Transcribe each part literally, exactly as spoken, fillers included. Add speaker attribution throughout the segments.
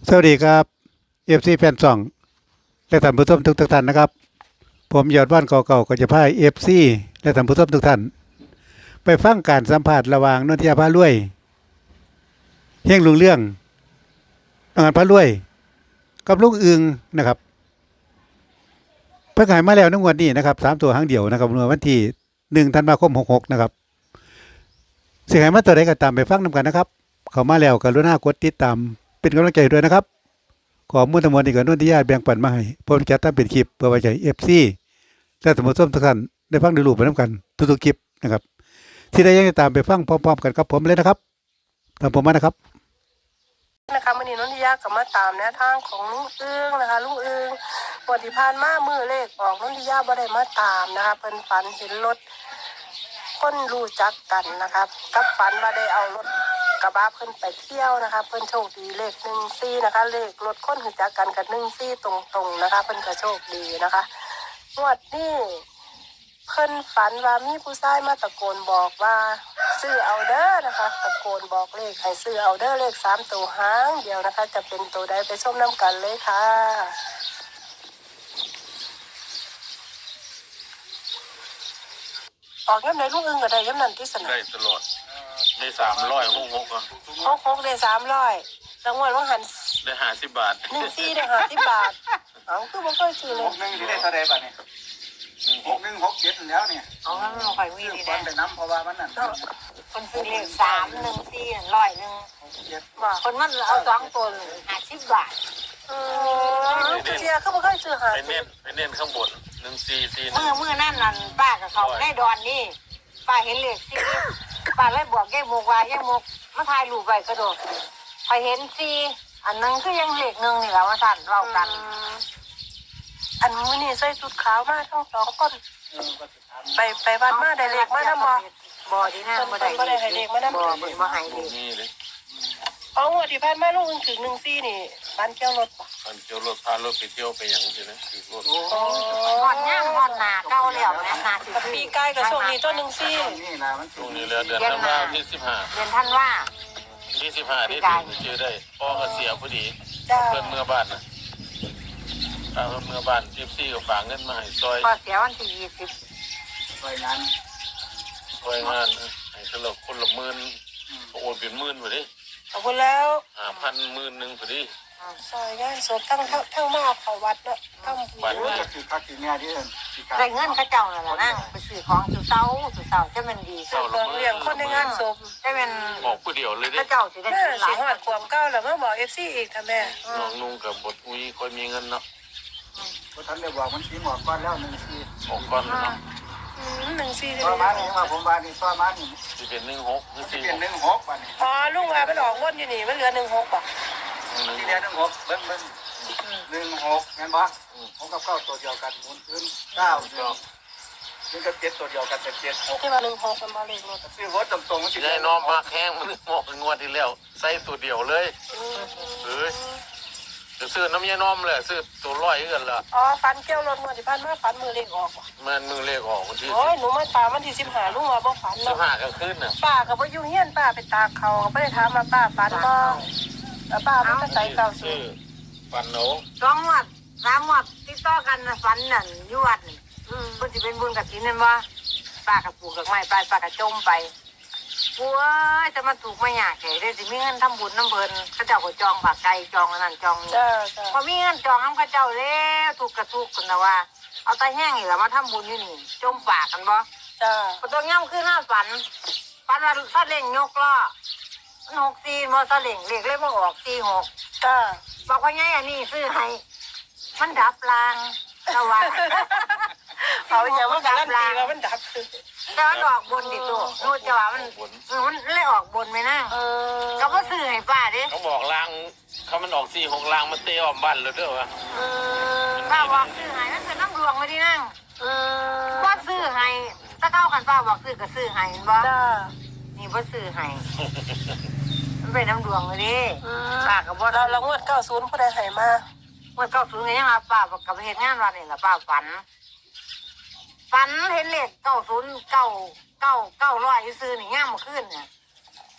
Speaker 1: สวัสดีครับเอฟซีแฟนซองและท่านผู้ชมทุกท่านนะครับผมยอดว่านเก่าๆก็จะพาเอฟซีและท่านผู้ชมทุกท่านไปฟังการสัมภาษณ์ระหว่างนนทิยาพารวยเฮงลุงเรื่องน้องอันพารวยกับลุงอึงนะครับเพิ่งหายมาแล้วในงวดนี้นะครับสามตัวหางเดียวนะครับเมื่อวันที่หนึ่งธันวาคมหกหกนะครับเสียหายมาตัวใดก็ตามไปฟังนำกันนะครับเข้ามาแล้วกรุณากดติดตามเป็นกำลังใจด้วยนะครับขอมุ่งทั้งหมดนี้กับนนทิยาแบ่งปันมาให้ผมจะทำเป็นคลิปเพื่อไว้ใจเอฟซีและท่านผู้ชมทุกท่านได้ฟังได้รู้ไปน้ำกันทุกๆคลิปนะครับที่ได้ยังตามไปฟังพร้อมๆกันกับผมเลยนะครับตามผมมานะครับ
Speaker 2: นะคะวันนี้นนทิยากับมาตามแนวทางของลุงเอื้องนะคะลุงเอื้องวันที่ผ่านมามือเลขออกนนทิยาบ่ได้มาตามนะคะเพิ่นฝันเห็นรถคนรู้จักกันนะคะกับฝันว่าได้เอารถกระบะเพิ่นไปเที่ยวนะคะเพิ่นโชคดีเลขหนึ่งซี่นะคะเลขรถคนรู้จักกันกับหนึ่งซี่ตรงๆนะคะเพิ่นก็โชคดีนะคะงวดนี้เพิ่นฝันว่ามีผู้ชายมาตะโกนบอกว่าซื้อเอาเด้อนะคะตะโกนบอกเลขให้ซื้อเอาเด้อเลขสามตัวหางเดียวนะคะจะเป็นตัวใดไปชมน้ำกันเลยค่ะออกย้ำไหนลูกอึ้งก็ได้ย้ำนั้นที่สนาม
Speaker 3: ได้ตลอดได้สามร้อยหกหกอ่ะ
Speaker 2: หกหกได้สามร้อยรางวัลว่าหัน
Speaker 3: ได้ห้าสิบบาท
Speaker 2: หนึ่งซี่ได้ห้าสิบบาทเอาคือบ่ค่อยซื้อเล
Speaker 4: ห
Speaker 2: ย
Speaker 4: กหนึ่งที่ได้เท่าไรบ้านี่หกหนึ่งหกเจ็ดแล้วเนี่ย
Speaker 5: อ๋อมันค่อยวิ่
Speaker 4: ซื้
Speaker 5: ง
Speaker 4: อ
Speaker 5: นี่
Speaker 4: ค
Speaker 5: นะ
Speaker 4: นไปน้ำเพราะว่ามันนั่น
Speaker 5: คนซื้อเลขสามหนึ่งสี่ร้อยหนึ่ง
Speaker 4: หกเจ็ด
Speaker 2: ว่า
Speaker 5: คนมันเอาสองตัวห้าสิบบาท
Speaker 2: เออเชียร์คือบ่ค่อยซื้อหา
Speaker 3: ไปเน้นไปเน้นข้างบนหนึ่งสี่สี่
Speaker 5: เมื่อเมื่อนั่นนั่นป้ากับเขาได้ดอนนี่ป้าเห็นเลขสี่ป้าเลยบอกแก้มกว่าแก้มกมาถ่ายรูปไว้กระโดดไปเห็นสี่อันนึงคือยังเลขหนึ่งนี่แหละว่าสั่นเรากัน
Speaker 2: อันมื้อนี้ใส่ชุดขาวมาทั้งสองคนไปไปวัดมาได้เลขมานำบ่
Speaker 5: บ่ที่นั่นบ่ได้บ่บ่บ่ให้เลข
Speaker 3: นี่เลย
Speaker 2: อ๋องวดที่ผ่านมาลุงอึ้งถึงหนึ่งซี่นี่บ้านเกี่ยวรถบ่
Speaker 3: ตอนเที่ยวรถพารถไปเที่ยวไปอย่างนี้นะคือรถ
Speaker 2: อ๋อ
Speaker 5: หอดย่างหอดหนาเก้าแล้วนะหนาสิบ
Speaker 2: กับปีกายกับช่วงนี้ตัวหนึ่งซี่
Speaker 4: นี่นะมัน
Speaker 3: ช่วงนี้แล้วเดือนธันวาคมที่สิบห้า
Speaker 5: เรียนท่านว่า
Speaker 3: ที่สิบห้าที่ถึงเจอได้พ่อก็เสียพอดี
Speaker 2: จ้า
Speaker 3: เพื่อนเมื่อบ้านนะพาเพื่อนเมื่อบ้านทิปซี่ก็ฝากเงินมาให้ซอย
Speaker 5: พอเสียวันที่ยี่สิบ
Speaker 4: รายงาน
Speaker 3: ซอยงานให้สลับคนละหมื่นโอนเป็นหมื่นพอดี
Speaker 2: ขอบคุณแล้ว
Speaker 3: ห้าพันหมื่นหนึ่งพอดี
Speaker 2: ซอยงานศพทั้งทั้งทั้งมาเขาวัดเนาะทั้ง
Speaker 3: บ้าน
Speaker 4: รู้
Speaker 3: นี้
Speaker 4: จะคือคักคือแง่ที่เอิญที่การ
Speaker 5: ได้เงินเขาเจ้านั่นแหละนั่งไปซื้อของซื้อเสาซื้อเสาจะมันดี
Speaker 2: เรื่องเลี้ยงคนในงานศพ
Speaker 5: จะเป็น
Speaker 3: บอกผู้เดียวเลยเด้
Speaker 5: เขาเจ้าสิได้
Speaker 2: แม่
Speaker 5: หลา
Speaker 2: สิ
Speaker 5: ย
Speaker 2: หอดความเก้าแล้วมาบอกเอฟซีอีกทำแม่
Speaker 3: น้องนุ่งกับบทอุ้ยคอยมีเงินเนาะ
Speaker 4: เพราะท่านได้บอกมันสีหมอกก้อนแล้วหนึ่งสี
Speaker 3: ออกก่อนเนาะ
Speaker 2: หนึ่งซี่
Speaker 4: ต่อมานี่ว่าผมว่านี่ต่อมานี่
Speaker 3: จะเป็นหนึ่งหกหรือ
Speaker 4: ที่
Speaker 3: สี่
Speaker 4: เป็นหนึ่งหกบ้านี่
Speaker 2: อ๋อลุงว่ามันออกวนอยู่นี่มันเหลือหนึ่งหกป่ะ
Speaker 3: หนึ่ง
Speaker 4: ที่
Speaker 3: ห
Speaker 4: เดียว
Speaker 3: ก
Speaker 4: หนึ่งหกเบิ้งเบิ้งหนึ่งหกงั้นบ่ผมกับเก้าตัวเดียวกันหมุนขึ้นเก้าหนึ่งนี่ก็เจ็ดตัวเดียวกันเป็นเจ็ดหก
Speaker 2: ที่ว่าหนึ่งหกมันมาเลขรถ
Speaker 4: ซื้อรถตรงๆมันติด
Speaker 3: ยายน้อมมาแข้งมันงอกงวดที่แล้วใส่ตัวเดียวเลยเอ้ยจะซื้อน้ำยายน้อมเลยซื้อตัวร้อยเงินละ
Speaker 2: อ๋อฟันเกี่ยวรถมาที่พันมาฟันมือเลขออกป่ะ
Speaker 3: มันมือเลขออกวันที่
Speaker 2: โอ้ยหนูมาตามวันที่สิบห้าลุงว่าบ่ฝัน
Speaker 3: สิบ
Speaker 2: เนาะ
Speaker 3: ห้าก็ขึ้นน่ะ
Speaker 2: ป้าก็บ่อยู่เฮียนป้าไปตากเขาก็บ่ได้ถามมาป้าฝันบ่แล้วป้ามันก็ใส่เก่าสู
Speaker 3: ซื้อง ฟันโหน
Speaker 5: สองวัดสามวัดติดต่อกันนะฝันนั่นอยู่วัดนี่
Speaker 2: อืม
Speaker 5: เพิ่นสิเป็นบุญกับศีลนั่นว่าป้ากับปลูกกับไม้ไปป้ากับจมไปปัวจะมาถูกมาหยากแก่ได้สิมีเงินทำบุญน้ำเพิ่นเขาเจ้าก็จองผักไก่จองอันนั้นจองนี่
Speaker 2: จ้าจ้า
Speaker 5: พอมีเงินจองน้ำเข้าเจ้าแล้วถูกกระทุกคนนะว่า เอาตาแห้งนี่แหละมาทำบุญนี่นี่จมปากกันบ่
Speaker 2: จ้า
Speaker 5: พอตัวย่ำขึ้นหน้าฝันฝันว่าซาเล่งยกล้อมันหกสี่มอซาเล่งเรียกเลยว่าออกสี่หก
Speaker 2: จ้า
Speaker 5: บอกว่าไงอันนี้ซื้อให้มันดับรางตะวัน
Speaker 2: เอาอย่างว่าการันตีว่ามันดับ
Speaker 5: แต่มันออกบนดิตัวรู้จะว่ามันเออมันเลยออกบนไหมนั่ง
Speaker 2: เออ
Speaker 5: ก็ว่าซื้อให้ป้าดิ
Speaker 3: เขาบอกลางเขามันออกสี่หกลางมันเตะออมบ้านเลยเด้อวะ
Speaker 2: เออ
Speaker 5: ป้าบอกซื้อให้นั่นคือน้ำดวงไม่ดีนั่ง
Speaker 2: เออ
Speaker 5: ว่าซื้อให้ถ้าเท่ากันป้าบอกซื้อก็ซื้อให้เห็นบ่
Speaker 2: จ้า
Speaker 5: นี่ว่าซื้อให้มันเป็นน้ำดวงเลยดิ
Speaker 2: อืม
Speaker 5: ป้ากับบ่
Speaker 2: เราเรางวดเก้าศูนย์ผู้ใดให้มา
Speaker 5: วันเก้าศูนย์ไงยังมาป้ากับเหตุงานวันนี่แหละป้าฝันฝันเห็นเลขเก้าศูนย์เก้าเก้าเก้าร้อยซื้อนี่ย่างมาขึ้นเนี่ย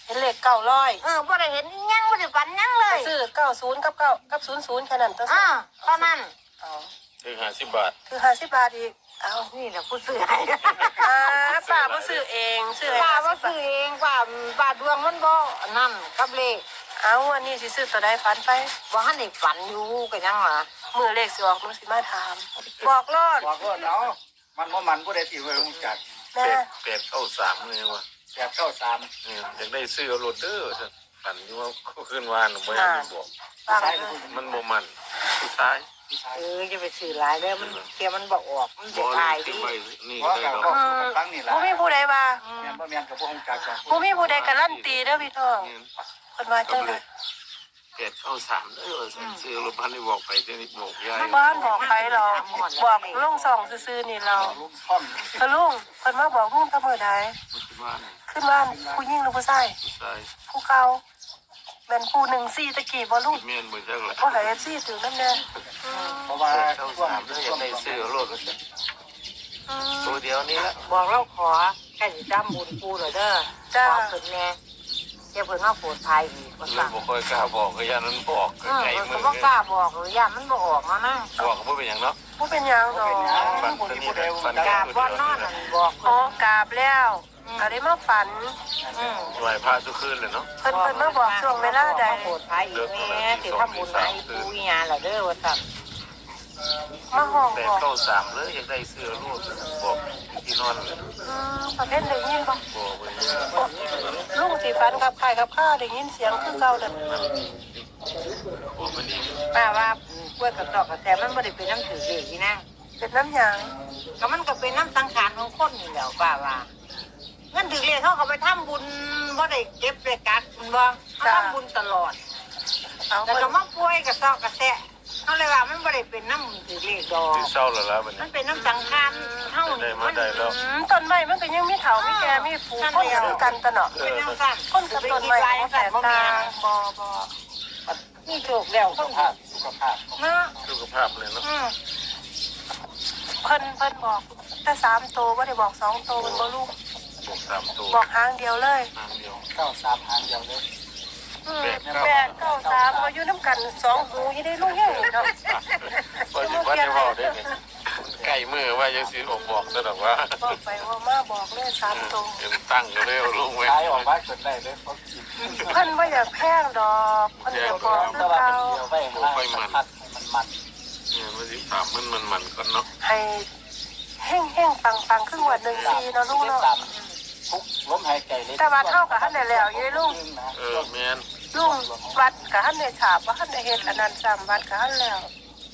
Speaker 2: เห็นเลขเก้าร้อย
Speaker 5: เออบ่ได้เห็นอิหยังบ่ได้ฝันหยังเลย
Speaker 2: ซื้อเก้าศูนย์กับเก้ากับศูนย์ศูนย์แค่นั้นตัว
Speaker 5: อ่าเท่านั้น
Speaker 2: เอา
Speaker 3: ถึงห้าสิบบาท
Speaker 2: คือห้าสิบบาทอีกเอา
Speaker 5: นี่แหละผู้ซื้อให้
Speaker 2: อ่าป้าบ่ซื้อเองซื้อให้
Speaker 5: ป้า
Speaker 2: ห้า
Speaker 5: ว่า
Speaker 2: สิบบา
Speaker 5: ซื้อ
Speaker 2: ท
Speaker 5: เองป้าป้าดวงมันบ่นั่นกับเลข
Speaker 2: เอาวันนี้สิซื้อตัวใดฝันไป
Speaker 5: บ่ทันได้ฝันอยู่ก็ยังล่ะ
Speaker 2: มือเลขสิออกหนูสิมาถาม บอกรอด
Speaker 4: บอกว่าเนาะมันว่ามันผู้ใดที่ไว้รู้จัก
Speaker 2: แม่
Speaker 3: เป็ดเป็ดเข้าสามเลยวะ
Speaker 4: แปดเก้าสาม
Speaker 3: เนี่ยอยากได้ซื้อเอาโรดเดอร์ปั่นอยู่ว่าขึ้นวานไม่ได้บอก
Speaker 2: ป้า
Speaker 4: ซ้าย
Speaker 2: ก็
Speaker 4: หรือผู้หญิง
Speaker 3: มันโมมันผู้ชาย
Speaker 4: ผู้ชาย
Speaker 5: เออจะไปซื้อหลายเด้อมันเกียมันบ่ออกมัน
Speaker 3: บ
Speaker 5: จะ
Speaker 3: อล
Speaker 5: ตาย
Speaker 3: ที่
Speaker 5: ดิ
Speaker 3: ไปนี่
Speaker 4: เพราะ
Speaker 3: ได้
Speaker 4: กับ
Speaker 3: ดอก
Speaker 4: ก็สู่กับฟังนี่แหละ
Speaker 2: บ่มีผู้ใดว่า
Speaker 4: แม่นบ่แม่นกับพวกองค์การกับ
Speaker 2: บ่มีผู้ใดการันตีเด้อพี่น้องเพิ่นว่าจังได๋
Speaker 3: เป็ดเข้าสามเด้อซื้อรถพันที่บอกไปที่นี่บอกยาย
Speaker 2: บ้านบอกไปหรอกบอกลุงส่องซื่อๆนี่เรา
Speaker 4: ลูกท่อม
Speaker 2: เออลุงเพิ่นมาบอกลุงแตะมื้อใด
Speaker 3: ที่บ้าน
Speaker 2: ขึ้นบ้านผู้หญิงหรือผู้ชาย
Speaker 3: ผู้ชาย
Speaker 2: ผู้เก่าแม่นผู้หนึ่งสี่ตะกี้บ่ลุง
Speaker 3: เมียนบ่จักละ
Speaker 2: บ่ให้ เอฟ ซี ถือนำแน่
Speaker 4: เพราะว่า
Speaker 3: เข้า
Speaker 4: ช่วง
Speaker 3: สามเด้ออยากได้ซื้อเอาโรดก็สิ
Speaker 2: อืม
Speaker 3: ตัวเดียวนี้ละ
Speaker 5: บอกเราขอแค่สิจำบุญปูเหรอเด้อ
Speaker 2: จ้า
Speaker 5: ขอเพิ่นแน่เดี๋ยวเพิ่นมาโปรดภัยอีกว่า
Speaker 3: เลย
Speaker 5: ซั่น
Speaker 3: บ่ค่อยกล้าบอกก็ยานั้นบอก
Speaker 5: เออ
Speaker 3: ไกล
Speaker 5: เพิ่น
Speaker 3: มื
Speaker 5: ก็
Speaker 3: อ
Speaker 5: บ่กล้าบอกหรือย่ามันบ่ออกมานะ
Speaker 3: บอกก็บ่เป็นหยังเนาะ
Speaker 2: บ่เป็นหยังดอก
Speaker 3: ฝันตัวนี้ฝัน
Speaker 5: กราบบ่นอนนั่นบอก
Speaker 2: อ๋อ
Speaker 5: เพิ่น
Speaker 2: กราบแล้วก็ได้มาฝัน
Speaker 5: อืม
Speaker 3: ไหวพระทุกคืนเลยเนาะ
Speaker 2: เพิ่นเพิ่นมาบอกช่วงเวลาใด
Speaker 5: มาโปรดภัยอีกแม่สิทำบุญให้ปูอีหยังล่ะเด้อว่าซั่น
Speaker 2: มาห้อง
Speaker 3: แต่
Speaker 2: บอก
Speaker 3: เข้าสามเลยอยากได้เสื้อรูดบอกที่นอนเลย
Speaker 2: อืมประเภทได้ยินบ่
Speaker 3: บอกไป
Speaker 2: โอ้ลุงสิฝันกับใครกับข้าได้ยินเสียงคือเก่านั่น
Speaker 3: บอกมันดี
Speaker 5: ป้าว่ากล้วยกับดอกกระแสมันบ่ได้เป็นน้ำถือเด็กนี่นะ
Speaker 2: เป็นน้ำหยาง
Speaker 5: ก็มันก็เป็นน้ำสังขารของคนนี่แหล้วป้าว่าเงินถือเรียกเขาเขาไปทำบุญบ่ได้เก็บได้กัดมันบ่เขาทำบุญตลอด
Speaker 2: เอา
Speaker 5: แต่
Speaker 2: เพิ่น
Speaker 5: ก็มาป่วยกับซอกกระแสเขาเลยว่ามันบ่ได้เป็นน้ำถือเรียกดอก
Speaker 3: ที่เศร้าแล้วล่ะมัน
Speaker 5: มันเป็นน้ำสังขารเท่า
Speaker 3: ได้
Speaker 5: นี้
Speaker 3: มาได้แล้ว
Speaker 2: อืมต้นไม้มันก็ยังมีเถามีแก่มีฝูงคนคือกันตะเนาะ
Speaker 5: เป็นน้ำสั้น
Speaker 2: คนกับต้นไม้บ่แตกต่างบ่บ่
Speaker 5: นี่โชคแล้ว
Speaker 4: สุขภาพสุขภาพ
Speaker 5: เนาะ
Speaker 3: สุขภาพเลยเนาะ
Speaker 5: อืม
Speaker 2: เพิ่นเพิ่นบอกแต่สามโตวบ่ได้บอกสองโตวมันบ่ลูก
Speaker 3: บอกสามตัว
Speaker 2: บอกหางเดียวเลย
Speaker 3: ทางเดียว
Speaker 4: เก้าสามหางเดียวเลย
Speaker 2: อืมแปดเก้าสามก็อยู่น้ำกันสองหูยี่ได้ลูกแห้งเนาะ
Speaker 3: พอสิวัดได้บอกได้เนี่ยใกล้มือว่ายังสิบอกบอกซะดอกว่า
Speaker 2: บอกไปว่ามาบอกเลยสามโตว
Speaker 3: เห็นตั้งอยู่เลยลงไว้
Speaker 4: ขายออกมาจนได้เลยเขากิน
Speaker 2: เพิ่นบ่อยากแพงดอกเพิ่นอยากบอกคื
Speaker 4: แต่
Speaker 2: อ
Speaker 4: ว่า
Speaker 2: เก่า
Speaker 4: เป็นเดียวไปให้มันพัดให้มันมัน
Speaker 3: เนี่ยมันสิถามมันมันมันก่อนเนาะ
Speaker 2: ให้แห้งแห้งปังปังๆครึ่งวันหนึ่งซีเนาะลูก
Speaker 4: เก็บ
Speaker 2: เนาะ
Speaker 4: ตามทุกลมหายใจเลย
Speaker 2: แต่ว่าเท่ากับท่านได้แล้วยี่ลูก
Speaker 3: เออแม่น
Speaker 2: ลุงวัดกับท่านได้ฉาบว่าท่านได้เฮ็ดอันนั้นซ้ำวัดกับท่านแล้ว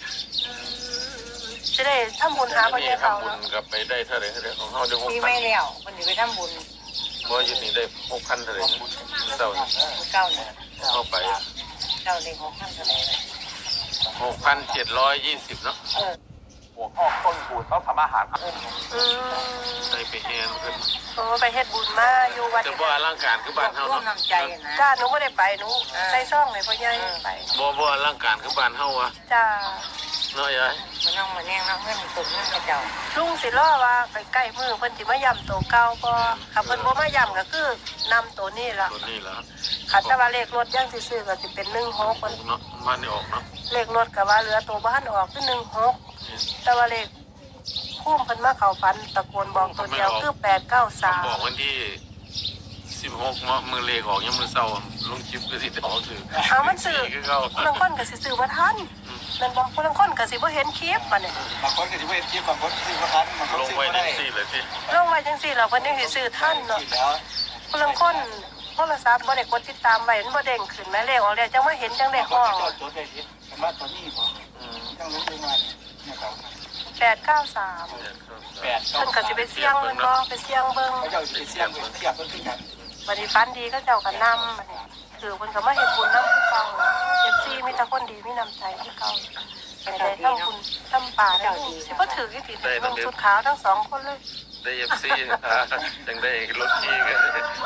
Speaker 2: จะได้ทำบุญหาพระ
Speaker 3: นี่
Speaker 2: เจ้าเขา
Speaker 3: ทำบุญ
Speaker 2: เนาะ
Speaker 3: กับไปได้เท่าไหร่เท่าไหร่ของเฮาได้หก
Speaker 5: ปี
Speaker 3: พั
Speaker 5: ไม่
Speaker 3: น
Speaker 5: แล้วมันสิไปทำบุญ
Speaker 3: บ่อยู่นี่ได้หกพันเท่าไหร่เศร้า
Speaker 5: เก้าเนี่ย
Speaker 3: เข้าไป
Speaker 5: เก้าเลยหกพันเท่าไหร่
Speaker 3: หกพันเจ็ดร้อยยี่สิบเนาะ
Speaker 5: เออ
Speaker 4: หัวข้อต้นปูดเขาทำอาหาร
Speaker 2: อืม
Speaker 3: ได้ไปแฮนเพิ่น
Speaker 2: โอ้ไปเฮ็ดบุญมาอยู่วัด
Speaker 3: แต่บ่อลังการคือบ้านเฮา
Speaker 5: ร่วม
Speaker 3: เนาะ
Speaker 5: น้ำใจนะ
Speaker 2: จ้าหนูบ่ได้ไปหนูใส่ซ่องให้พ่อใหญ่ไป
Speaker 3: บ่บ่อลังการคือบ้านเฮาวะ
Speaker 2: จ้า
Speaker 3: เนาะยาย
Speaker 5: มันน้องมาแน่งน้องเงินตุกเงินกระเจ้า
Speaker 2: ลุงสิรอว่าใกล้ๆมือเพิ่นสิมาย่ำตัวเก่าบ่ถ้าเพิ่นบ่มาย่ำก็คือนำตัวนี้ล่ะ
Speaker 3: ตัวนี้ล่ะ
Speaker 2: คันแต่ว่าเลขรถยังสิซื้อก็สิเป็นหนึ่งหกเพิ่น
Speaker 3: เนาะบ้านนี่ออกเนาะ
Speaker 2: เลขรถก็ว่าเหลือตัวบ้านออกคือหนึ่งหกแต่ว่าเลขพุ่มเพิ่นมาเข้าฝันตะโกนบอกตัวเดียวคือแปดเก้าสาม
Speaker 3: บอกวันที่สิบหกเนาะมื้อเลขออกยามมื้อเช้าลงคลิปก็สิออกคือ
Speaker 2: เอามันซื้อ
Speaker 3: คือเก่า
Speaker 2: คนลังคนก็สิซื้อบ่ทันแม่นบ่คนลังคนก็สิบ่เห็นคลิปบัดนี้
Speaker 4: บางคนก็จะไม่เห็นคลิปบางคนซื้อมาทันบางคน
Speaker 3: ลง
Speaker 4: ซื้อ
Speaker 3: ไว้
Speaker 4: มา
Speaker 3: ได้
Speaker 4: ได้
Speaker 3: สี่เลยสิ
Speaker 2: ลงไว้จังซี่แล้วเพิ่นยังสิซื้อทันเนาะ
Speaker 4: กินแล้ว
Speaker 2: คนลังคนโทรศัพท์บ่ได้กดติดตามไว้มันบ่เด้งขึ้นแม่เลขออกแล้วจังว่าเห็นจังได้
Speaker 4: บางค
Speaker 2: ฮ้อน ง
Speaker 4: ก็จดได้ยินเห็นว่าตัวนี้บ่
Speaker 3: อืม
Speaker 4: ยังรู้อยู่มาเนี่ยครับ
Speaker 2: แปดเก้าสาม
Speaker 4: แปด
Speaker 2: เพิ่นก็สิไปเสี่ยงมันบ่ไปเสี่ยงเบิ่ง
Speaker 4: เขาจะไปเสี่ยงเทียบเพิ่นขึ้นกัน
Speaker 2: บัดนี้ฝันดีก็เจ้าก็นำบัดนี้คือเพิ่นก็มาเฮ็ดบุญนำคือเก่าเอฟซีมีแต่คนดีมีน้ำใจคือเก่าแต่ได้ทำบุญทำป่าได้ลูกสิบ่ถือกี่ติเบิ่งชุดขาวทั้งสองคนเลย
Speaker 3: ได้ เอฟ ซี จังได้รถขี่กัน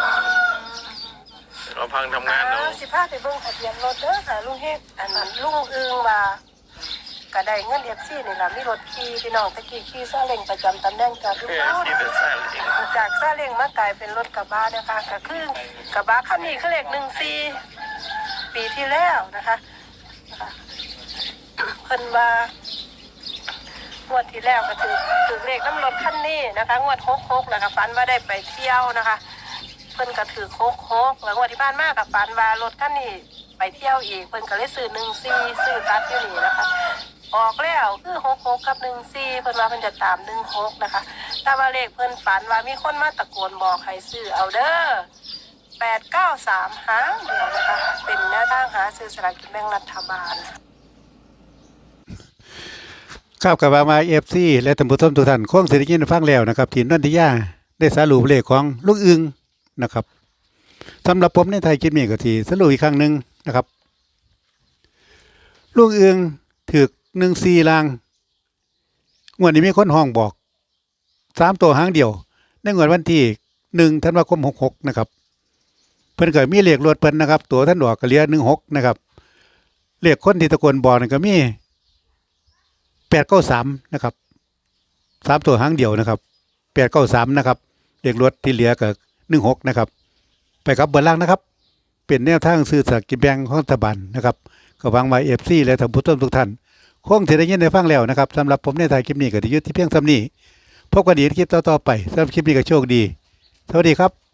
Speaker 3: เราพังทำงานเนาะ
Speaker 2: สิพาไปเบิ่งทะเบียนรถเด้อค่ะลุงเฮ็ดอันนั้นลุงอึงว่าก็ได้เงินเอฟซีนี่ล่ะมีรถขี่พี่น้องตะกี้ขี่ซาเล้งประจำตำแหน่งจากทุก
Speaker 3: เอ
Speaker 2: ค
Speaker 3: อน ที่เดือดแซ่บจริง
Speaker 2: จากซาเล้งมากลายเป็นรถกระบะนะคะก็คือกระบะคันนี้คือเลขหนึ่งสี่ปีที่แล้วนะคะนะคะเพิ่นว่างวดที่แล้วก็ถือถือเลขน้ำรถคันนี้นะคะงวดหกหกแล้วก็ฝันว่าได้ไปเที่ยวนะคะเพิ่นก็ถือโคกโคกแล้วงวดที่ผ่านมากับฝันว่ารถคันนี้ไปเที่ยวอีกเพิ่นก็เลยซื้อหนึ่งสี่ซื้อตัดอยู่นี่นะคะออกแล้วคือหกหกกับหนึ่งสี่เพิ่นว่าเพิ่นจะตามหนึ่งหกนะคะแต่ว่าเลขเพิ่นฝันว่ามีคนมาตะโกนบอกให้ซื้อเอาเด้อแปดเก้าสามหางเดียวนะคะเป็นแนวทางหาซื้อสลากกินแบ่งรัฐบาล
Speaker 1: ครับกับมาเอฟซีและท่านผู้ชมทุกท่านคงเสด็จยินฟังแล้วนะครับทีมนันทิยาได้สรุปเลขของลูกอึงนะครับสำหรับผมในไทยคิดมีก็ทีสรุปอีกครั้งหนึ่งนะครับลูกอึงถือหนึ่งสี่ลางงวดนี้มีคนห้องบอกสามตัวหางเดียวในงวดวันที่หนึ่งธันวาคมหกหกนะครับเพิ่นเกิดมีเลขรวดเพิ่นนะครับตัวท่านดอกกระเลียหนึ่งหกนะครับเลขคนที่ตะโกนบอกนั่นก็มีแปดเก้าสามนะครับสามตัวหางเดียวนะครับแปดเก้าสามนะครับเลขรถที่เหลือก็หนึ่งหกนะครับไปครับเบอร์ล่างนะครับเป็นแนวทางซื้อสลากกินแบ่งของรัฐบาลนะครับก็หวังว่าเอฟซีและท่านผู้ชมทุกท่านคงจะได้ยินได้ฟังแล้วนะครับสำหรับผมในถ่ายคลิปนี้ก็ได้ยุติเพียงเท่านี้พบกันอีกในคลิปต่อๆไปสำหรับคลิปนี้ก็โชคดีสวัสดีครับ